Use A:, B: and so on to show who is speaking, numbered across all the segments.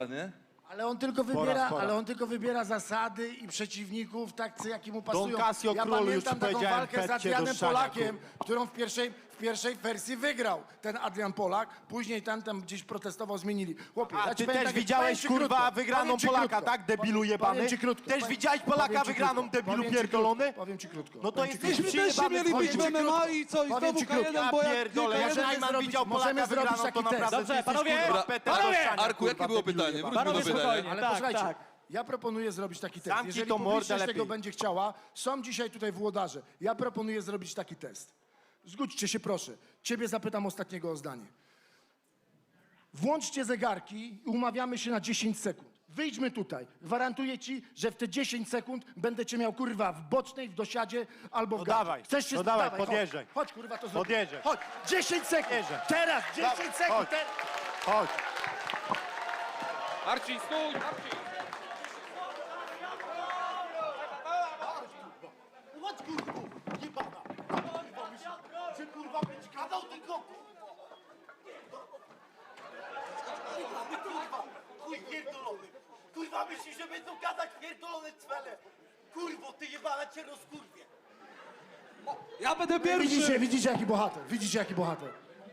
A: nie?
B: Ale on tylko wybiera zasady i przeciwników, tak jaki mu pasują.
C: Don Casio
B: Ja
C: Król, już
B: pamiętam taką
C: powiedziałem,
B: walkę z
C: chodźcie do
B: Adrianem
C: ściania,
B: Polakiem, którą w pierwszej wersji wygrał ten Adrian Polak. Później tam gdzieś protestował, zmienili. Chłopie,
C: A
B: ja ci
C: ty
B: powiem
C: też
B: tak,
C: widziałeś,
B: powiem ci
C: kurwa,
B: krótko,
C: wygraną
B: powiem ci
C: Polaka,
B: krótko.
C: tak, debilu jebany?
B: Powiem ci krótko.
C: Też widziałeś Polaka
B: Powiem ci
C: wygraną,
B: krótko.
C: debilu
B: Powiem ci
C: pierdolony?
B: krótko. Powiem ci krótko.
C: No to
B: Powiem ci
C: jesteś
B: krótko.
D: Myśmy też
C: przyjebany,
D: mieli być
C: powiem
D: w
C: ci
D: MMA i co? I
B: Powiem
D: znowu
B: ci krótko.
D: K1, bo
C: Ja
D: jak
C: pierdolę,
D: K1
C: jak Najman widział
B: możemy
C: Polaka
B: zrobić
C: wygraną, to
B: taki test.
C: naprawdę
E: Dobrze,
C: jesteś,
E: panowie.
C: kurwa, Peter
E: Panowie.
C: do ściania,
A: Arku, jakie
C: kurwa,
A: było
C: debilu
A: pytanie?
C: jebany.
A: Wróćmy do
E: Panowie,
A: pytania.
E: spokojnie.
B: Ale
E: Tak,
B: posłuchajcie,
E: tak.
B: ja proponuję zrobić taki test.
C: Zamknij
B: Jeżeli
C: tą mordę
B: publiczność
C: lepiej.
B: tego będzie chciała, są dzisiaj tutaj włodarze. Ja proponuję zrobić taki test. Zgódźcie się proszę. Ciebie zapytam ostatniego o zdanie. Włączcie zegarki i umawiamy się na 10 sekund. Wyjdźmy tutaj. Gwarantuję ci, że w te 10 sekund będę cię miał, kurwa, w bocznej, w dosiadzie albo w
C: No
B: gacie.
C: dawaj,
B: Chcesz się
C: no dawaj,
B: chodź.
C: podjeżdżaj.
B: Chodź, kurwa, to zrobię.
C: Podjeżdżaj.
B: Chodź, 10 sekund.
C: Podjeżdżaj.
B: Teraz, 10
C: Dawaj,
B: sekund.
C: chodź. Chodź.
A: Arci, stój! Arci!
C: Chodź, kurwa, jebana. Kurwa, myślę, że kurwa będzie gadał tylko... Kurwa, chuj pierdolony. Kurwa, myślisz, że będą gadać pierdolone cwele. Kurwo, ty jebana cię rozkurwie.
D: Ja będę pierwszy!
B: Widzicie jaki bohater. Widzicie jaki bohater.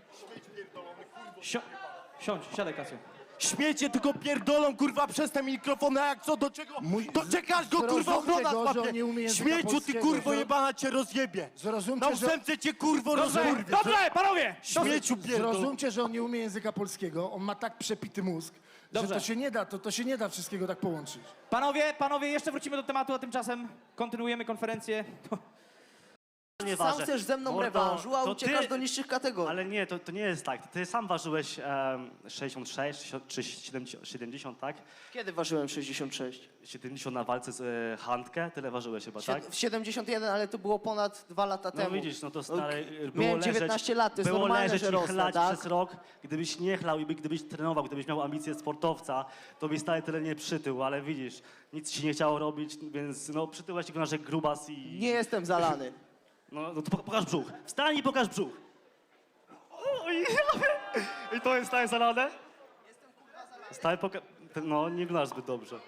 E: Siądź, siadaj, Kasio.
C: Śmiecie tylko pierdolą, kurwa, przez te mikrofony, a jak co, do czego? Doczekasz go, kurwa,
B: Zrozumcie
C: ochrona
B: go, że on
C: złapie.
B: nie umie języka
C: Śmieciu, ty
B: polskiego,
C: kurwo
B: że-
C: jebana cię rozjebie.
B: Zrozumcie,
C: Na
B: że...
C: ósemce cię, kurwo,
E: Dobrze,
C: rozkurwie.
E: dobrze, panowie!
C: Śmieciu pierdol.
B: Zrozumcie, że on nie umie języka polskiego, on ma tak przepity mózg,
E: Dobrze.
B: że to się nie da wszystkiego tak połączyć.
E: Panowie, jeszcze wrócimy do tematu, a tymczasem kontynuujemy konferencję.
F: Nie
G: Sam
F: ważę.
G: chcesz ze mną
F: Mordo,
G: rewanżu, a
F: to
G: uciekasz
F: ty-
G: do niższych kategorii.
F: Ale nie, to nie jest tak. Ty sam ważyłeś 66 czy 70, tak?
G: Kiedy ważyłem 66?
F: 70 na walce z Handkę, tyle ważyłeś chyba, tak?
G: W 71, ale to było ponad 2 lata
F: No
G: temu.
F: widzisz, no to stary, było
G: Miałem
F: leżeć,
G: 19 lat, to jest
F: było
G: normalne,
F: leżeć
G: że
F: i
G: rosnę,
F: chlać
G: tak?
F: przez rok. Gdybyś nie chlał i gdybyś trenował, gdybyś miał ambicje sportowca, to byś stale tyle nie przytył, ale widzisz, nic ci nie chciało robić, więc no przytyłeś tylko nasz grubas i...
G: Nie jestem zalany.
F: No to pokaż brzuch. Wstań i pokaż brzuch. Oj, i to jest stałe zalane? Jestem kurwa zalany. Stałe no, nie wyglądasz zbyt dobrze.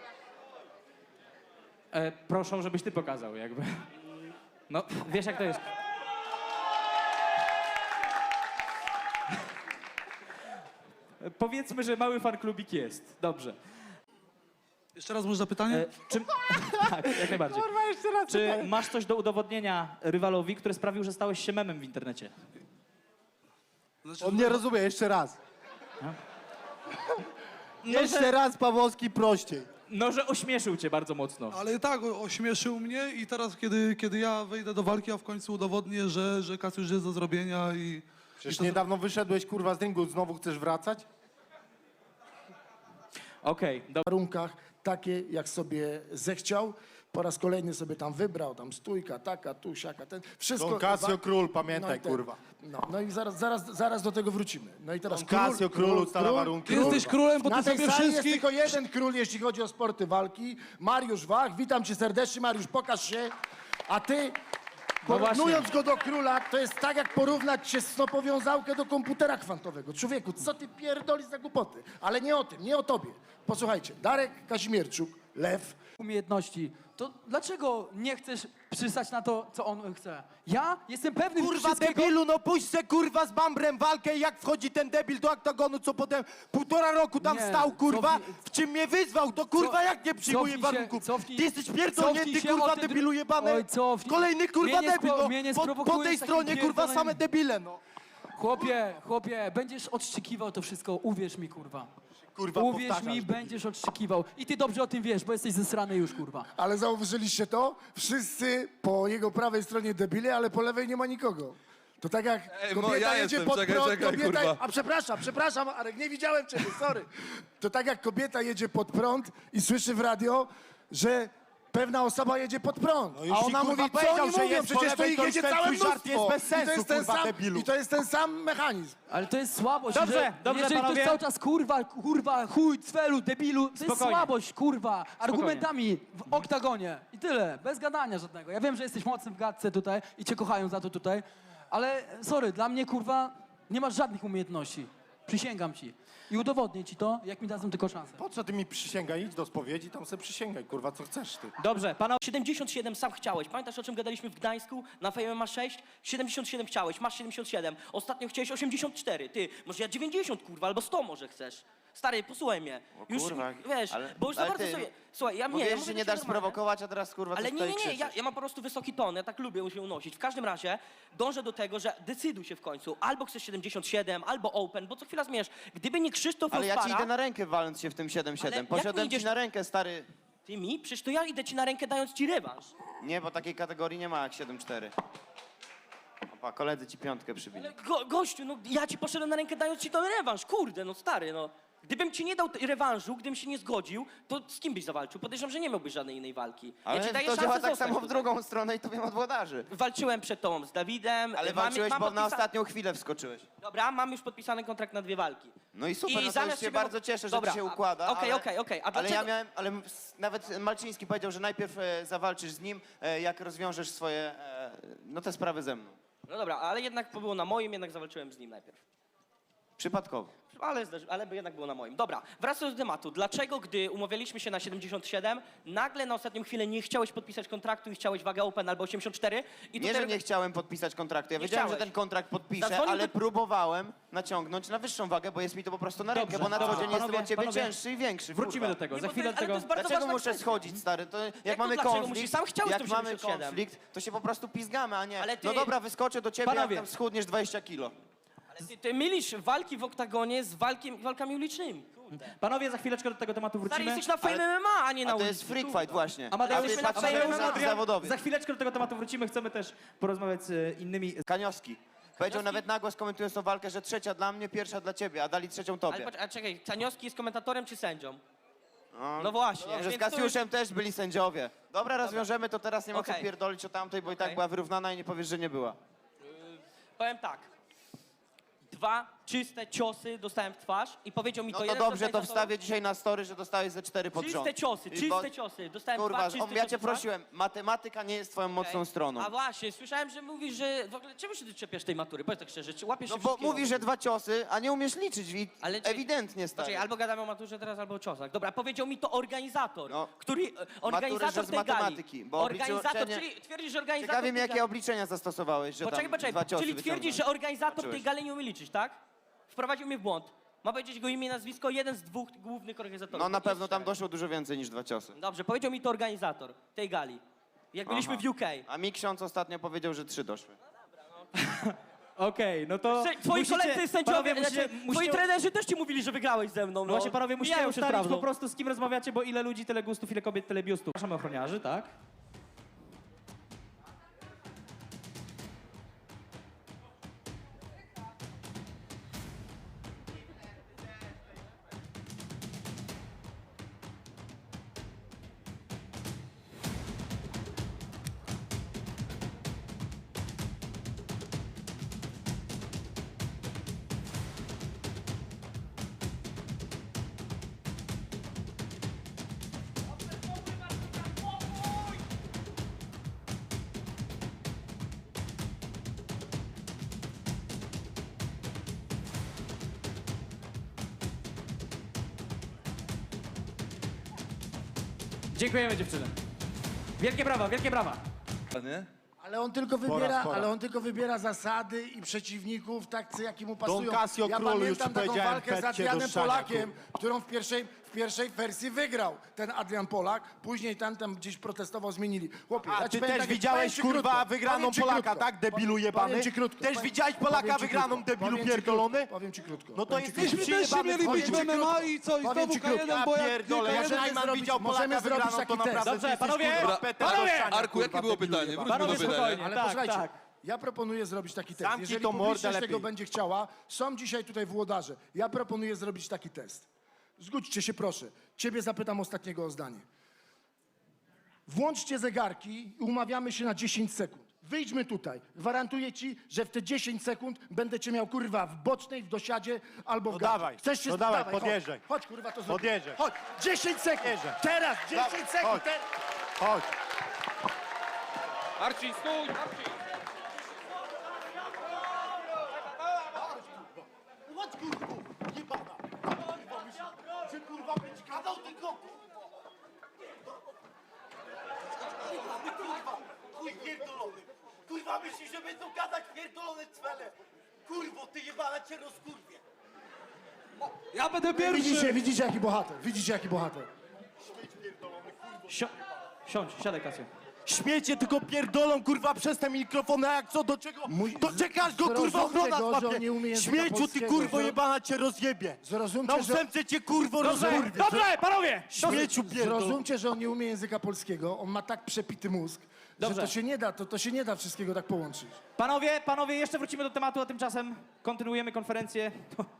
E: Proszę, żebyś ty pokazał, jakby. No, wiesz jak to jest. Powiedzmy, że mały fanklubik jest. Dobrze.
D: Jeszcze raz może zapytanie?
E: Czym... Tak, jak najbardziej. Czy masz coś do udowodnienia rywalowi, który sprawił, że stałeś się memem w internecie?
D: Znaczy,
C: On nie rozumie, jeszcze raz.
E: No,
C: Jeszcze raz, Pawłowski, prościej.
E: No, że ośmieszył cię bardzo mocno.
D: Ale tak, ośmieszył mnie i teraz, kiedy ja wejdę do walki, a w końcu udowodnię, że Kasiusz jest do zrobienia i...
C: Przecież niedawno wyszedłeś, kurwa, z ringu, znowu chcesz wracać?
E: Okej, dobra.
B: warunkach takie, jak sobie zechciał. Po raz kolejny sobie tam wybrał, tam stójka, taka, tu, siaka, ten. Wszystko.
C: Don Casio Król, pamiętaj,
B: i ten.
C: kurwa.
B: No i zaraz do tego wrócimy. No i teraz
C: Don Casio Król ustala warunki.
D: Ty jesteś królem, bo
B: Na
D: ty
B: tej
D: sobie
B: sali jest
D: wszystkich...
B: tylko jeden król, jeśli chodzi o sporty walki. Mariusz Wach, witam cię serdecznie. Mariusz, pokaż się. A ty, porównując go do króla, to jest tak, jak porównać się snopowiązałkę do komputera kwantowego. Człowieku, co ty pierdolisz za głupoty? Ale nie o tym, nie o tobie. Posłuchajcie, Darek Kazimierczuk, Lew,
H: umiejętności, to dlaczego nie chcesz przystać na to, co on chce? Ja jestem pewny
C: Kurwa,
H: wszystkiego.
C: debilu, no puść se, kurwa, z Bambrem walkę i jak wchodzi ten debil do oktagonu, co potem 1,5 roku tam
H: Nie,
C: stał, kurwa,
H: cofnij-
C: w czym mnie wyzwał, to kurwa, jak nie przyjmuje
H: cofnij się,
C: warunków?
H: cofnij-
C: Ty jesteś
H: cofnij
C: pierdolnięty,
H: się
C: kurwa,
H: o tym
C: debilu jebany.
H: Oj, cofnij.
C: Kolejny, kurwa,
H: Mnie nie
C: debil,
H: spro-
C: no.
H: mnie nie
C: Po
H: sprowokujesz
C: tej
H: takim
C: stronie, kurwa,
H: pierdolonym-
C: same debile, no.
H: Chłopie, będziesz odszczykiwał to wszystko, uwierz mi, kurwa.
C: Kurwa,
H: Uwierz
C: powtarzasz,
H: mi,
C: debil.
H: będziesz odszczykiwał. I ty dobrze o tym wiesz, bo jesteś zesrany już, kurwa.
B: ale zauważyliście to? Wszyscy po jego prawej stronie debile, ale po lewej nie ma nikogo. To tak jak kobieta
A: ja
B: jedzie
A: jestem,
B: pod
A: czekaj,
B: prąd,
A: czekaj,
B: kobieta...
A: kurwa.
B: A przepraszam, Arek, nie widziałem ciebie, sorry. To tak jak kobieta jedzie pod prąd i słyszy w radio, że pewna osoba jedzie pod prąd.
C: No już
B: a
C: ci,
B: ona
C: kurwa,
B: mówi, co
C: powiedział,
B: oni
C: że
B: mówią?
C: jest po
B: Przecież to
C: lewej,
B: ich
C: to
B: jedzie
C: już ten
B: całe
C: twój żart
B: mnóstwo.
C: jest bez sensu,
B: ten
C: kurwa,
B: sam,
C: debilu.
B: I to jest ten sam mechanizm.
H: Ale to jest słabość.
E: Dobrze,
H: że,
E: dobrze,
H: jeżeli
E: panowie.
H: ktoś cały czas kurwa, chuj, cwelu, debilu, to jest
E: Spokojnie.
H: słabość, kurwa. Argumentami w oktagonie. I tyle, bez gadania żadnego. Ja wiem, że jesteś mocny w gadce tutaj i cię kochają za to tutaj, ale sorry, dla mnie, kurwa, nie masz żadnych umiejętności. Przysięgam ci. i udowodnię ci to, jak mi dadzą tylko szansę.
B: Po co ty mi przysięgaj? Idź do spowiedzi, tam sobie przysięgaj, kurwa, co chcesz ty.
E: Dobrze, panowie.
A: 77 sam chciałeś. Pamiętasz, o czym gadaliśmy w Gdańsku na Fame ma 6? 77 chciałeś, masz 77. Ostatnio chciałeś 84. Ty, może ja 90, kurwa, albo 100 może chcesz. Stary, posłuchaj mnie. Już,
I: kurwa,
A: wiesz,
I: ale-
A: bo już za
I: ale
A: bardzo
I: ty-
A: sobie... Słuchaj, ja
I: Mówisz,
A: ja
I: że
A: mówię
I: nie
A: ci
I: dasz
A: normalnie.
I: sprowokować, a teraz kurwa
A: Ale
I: coś
A: nie,
I: tutaj
A: nie, ja
I: krzyczysz.
A: mam po prostu wysoki ton, ja tak lubię się unosić. W każdym razie dążę do tego, że decyduj się w końcu. Albo chcesz 77, albo open, bo co chwila zmierz. Gdyby nie Krzysztof
I: Ale ja ci
A: Rozpara,
I: idę na rękę waląc się w tym 7-7.
A: Ale jak
I: Poszedłem
A: mi idziesz-
I: ci na rękę, stary.
A: Ty mi? Przecież to ja idę ci na rękę dając ci rewanż.
I: Nie, bo takiej kategorii nie ma jak 7-4. Opa, koledzy ci piątkę przybili.
A: Ale gościu, no ja ci poszedłem na rękę dając ci ten rewanż, kurde, no stary, no. Gdybym ci nie dał rewanżu, gdybym się nie zgodził, to z kim byś zawalczył? Podejrzewam, że nie miałbyś żadnej innej walki.
I: Ale
A: ja ci daję
I: to
A: szansę
I: działa tak
A: zostać
I: samo w
A: tutaj.
I: drugą stronę i to wiem od włodarzy.
A: Walczyłem przed tobą z Dawidem.
I: Ale walczyłeś, bo na ostatnią chwilę wskoczyłeś.
A: Dobra, mam już podpisany kontrakt na 2 walki.
I: No i super, no to
A: zamiast
I: już się
A: ciebie-
I: bardzo cieszę, że
A: Dobra,
I: ci się układa.
A: okej,
I: ale-
A: okej. A
I: Ale
A: dlaczego...
I: ja miałem, nawet Malczyński powiedział, że najpierw zawalczysz z nim, jak rozwiążesz swoje, no te sprawy ze mną.
A: No dobra, ale jednak było na moim, jednak zawalczyłem z nim najpierw.
I: Przypadkowo.
A: Ale by jednak było na moim. Dobra, wracając do tematu. Dlaczego, gdy umawialiśmy się na 77, nagle na ostatnią chwilę nie chciałeś podpisać kontraktu i chciałeś wagę open albo 84? I
I: Nie,
A: tutaj-
I: że nie chciałem podpisać kontraktu. Ja
A: Nie
I: wiedziałem,
A: chciałeś.
I: że ten kontrakt podpiszę,
A: Zadzwonił
I: ale
A: do-
I: próbowałem naciągnąć na wyższą wagę, bo jest mi to po prostu na rękę,
E: Dobrze,
I: bo na co
E: dobrze.
I: dzień jestem
E: Panowie,
I: od ciebie
E: panowie,
I: cięższy i większy.
E: Wrócimy
I: kurwa.
E: do tego,
A: Nie,
E: za
A: bo to
E: chwilę
A: jest-
E: do
A: ale to
E: tego...
A: jest bardzo
I: Dlaczego
A: ważna
I: muszę
A: kwestia.
I: schodzić, stary? To jak
A: to
I: mamy
A: dlaczego
I: konflikt,
A: musisz? Sam chciałeś
I: jak
A: to
I: mamy
A: 77.
I: konflikt, to się po prostu pizgamy, a nie,
A: Ale ty-
I: no dobra, wyskoczę do ciebie,
E: Panowie.
I: jak tam schudniesz 20 kilo.
A: Ty mylisz walki w oktagonie z walkami ulicznymi.
E: Panowie, za chwileczkę do tego tematu
A: Stary,
E: wrócimy.
A: jesteś na Fame MMA, a nie na
I: A to
A: ulicy.
I: jest freak
A: kurwa.
I: fight właśnie.
E: Amadeusz,
I: A ty
A: jesteśmy na
I: patrzysz
A: Fame
I: na
A: MMA.
I: tych zawodowych.
E: Za chwileczkę do tego tematu wrócimy. Chcemy też porozmawiać z innymi...
I: Kanioski. Powiedział nawet na głos, komentując tą walkę, że trzecia dla mnie, pierwsza dla ciebie, a dali trzecią
A: Ale
I: tobie.
A: patrz, a czekaj, Canioski jest komentatorem czy sędzią? No właśnie.
I: Dobrze, z
A: więc to
I: Kasiuszem też byli sędziowie. Dobra, rozwiążemy to teraz, nie ma co
A: Okej.
I: pierdolić o tamtej, bo i tak
A: Okej.
I: była wyrównana i nie powiesz, że nie była.
A: Powiem tak. 2 czyste ciosy dostałem w twarz i powiedział mi
I: No
A: to
I: to
A: jeden z
I: dobrze, to
A: organizatorów.
I: wstawię dzisiaj na story, że dostałeś ze 4 pod rząd.
A: Czyste ciosy,
I: I bo-
A: czyste ciosy. Dostałem
I: Kurwa,
A: 2 czyste ciosy
I: ja cię
A: w twarz.
I: prosiłem, matematyka nie jest twoją mocną stroną.
A: A właśnie, słyszałem, że mówisz, że w ogóle czemu się ty czepiasz tej matury? Powiedz tak szczerze, czy łapiesz
I: No
A: się
I: bo
A: wszystkiego?
I: mówisz, że 2 ciosy, a nie umiesz liczyć,
A: Ale czy-
I: ewidentnie, stary.
A: Znaczy, albo gadamy o maturze teraz, albo o ciosach. Dobra, powiedział mi to organizator,
I: No.
A: który... Organizator
I: że z
A: tej
I: matematyki,
A: gali.
I: bo
A: Organizator,
I: obliczenie-
A: czyli twierdzisz, że organizator
I: Ciekawi mnie,
A: tej
I: jakie
A: gali...
I: obliczenia zastosowałeś, że
A: Poczekaj,
I: tam 2
A: poczekaj,
I: ciosy
A: czyli twierdzisz, że
I: wyciągnąłeś.
A: organizator tej
I: Zobaczyłeś.
A: gali nie umie liczyć, tak? Wprowadził mnie w błąd. Ma powiedzieć jego imię i nazwisko, jeden z 2 głównych organizatorów.
I: No na
A: Jest
I: pewno tam
A: 4.
I: doszło dużo więcej niż 2 ciosy.
A: Dobrze, powiedział mi to organizator tej gali. Jak byliśmy
I: Aha.
A: w UK.
I: A mi ksiądz ostatnio powiedział, że 3 doszły.
E: Okej, no to...
A: Twoi koledzy sędziowie,
E: panowie, musicie,
A: twoi trenerzy też ci mówili, że wygrałeś ze mną.
E: No właśnie, panowie, musicie
A: Mijają się z
E: ustalić
A: prawdą.
E: po prostu, z kim rozmawiacie, bo ile ludzi, tyle gustów, ile kobiet, tyle biustów. Przepraszamy ochroniarzy, tak? Dziękujemy dziewczyny. Wielkie brawa, wielkie brawa.
B: Ale on tylko wybiera zasady i przeciwników, tak jaki mu pasują.
C: Don Casio
B: Ja
C: królu, już
B: pamiętam
C: ci
B: taką
C: powiedziałem,
B: walkę z
C: pecie do
B: Adrianem
C: szania,
B: Polakiem, którą w pierwszej wersji wygrał ten Adrian Polak. Później tam gdzieś protestował, zmienili. Chłopie,
C: A
B: ja ci
C: ty
B: powiem
C: też
B: tak,
C: widziałeś,
B: powiem ci
C: kurwa,
B: krótko,
C: wygraną
B: powiem ci
C: Polaka,
B: krótko.
C: tak, debilu
B: Powiem
C: jebany?
B: ci krótko.
C: Też widziałeś Polaka
B: powiem ci
C: wygraną,
B: krótko.
C: debilu
B: Powiem ci
C: pierdolony?
B: krótko. Powiem ci krótko.
C: No to
B: Powiem ci
C: jesteś
B: krótko.
D: Myśmy też się mieli
B: Powiem
D: być
B: ci
D: w MMA
B: krótko.
D: i co? I
B: Powiem
D: znowu
B: ci krótko.
D: K1, bo jak
C: Pierdolę,
D: K1
C: jak
B: możemy
C: Najman
B: zrobić-
C: widział
B: możemy
C: Polaka
B: zrobić
C: wygraną,
B: taki
C: to
B: test.
C: naprawdę
E: Dobrze,
C: ty jesteś,
E: panowie,
C: kurwa, Peter do
E: panowie!
C: ściania,
J: Arku, jakie
C: kurwa,
J: było
C: debilu
J: pytanie?
C: jebany.
J: Wróćmy
E: Panowie,
J: do pytania.
E: spokojnie.
B: Ale
E: Tak,
B: posłuchajcie,
E: tak.
B: ja proponuję zrobić taki test.
C: Zamknij
B: Jeżeli
C: tą mordę
B: publiczność tego
C: lepiej.
B: będzie chciała, są dzisiaj tutaj włodarze. Ja proponuję zrobić taki test. Zgódźcie się proszę. Ciebie zapytam ostatniego o zdanie. Włączcie zegarki i umawiamy się na 10 sekund. Wyjdźmy tutaj. Gwarantuję ci, że w te 10 sekund będę cię miał kurwa w bocznej, w dosiadzie albo w
C: No
B: gacie.
C: dawaj,
B: Chcesz się
C: no dawaj,
B: chodź.
C: podjeżdżaj.
B: Chodź kurwa to zrobimy.
C: Podjeżdżaj.
B: Chodź. 10 sekund.
C: Podjeżdżaj.
B: Teraz 10 sekund.
C: Chodź. Chodź.
J: Marcin, stój! Marcin!
C: Chodź, kurwa, jebana. myślisz, że będą gadać pierdolone cwele? Kurwo, ty jebana cię rozkurwie.
H: Ja będę pierwszy!
B: Widzicie jaki bohater, widzicie jaki bohater.
E: Siądź, siadaj, Kasio.
C: Śmiecie tylko pierdolą, kurwa, przez te mikrofony, a jak co, do czego? Doczekasz go, kurwa, ochrona
B: Zrozumcie go, że
C: złapie.
B: on nie umie języka
C: Śmieciu, ty
B: polskiego,
C: kurwo
B: że-
C: jebana cię rozjebie.
B: Zrozumcie,
C: Na
B: że...
C: ósemce cię, kurwo, rozkurwie.
E: Dobrze, panowie!
C: Śmieciu pierdol.
B: Zrozumcie, że on nie umie języka polskiego, on ma tak przepity mózg,
E: Dobrze.
B: że to się nie da wszystkiego tak połączyć.
E: Panowie, jeszcze wrócimy do tematu, a tymczasem kontynuujemy konferencję.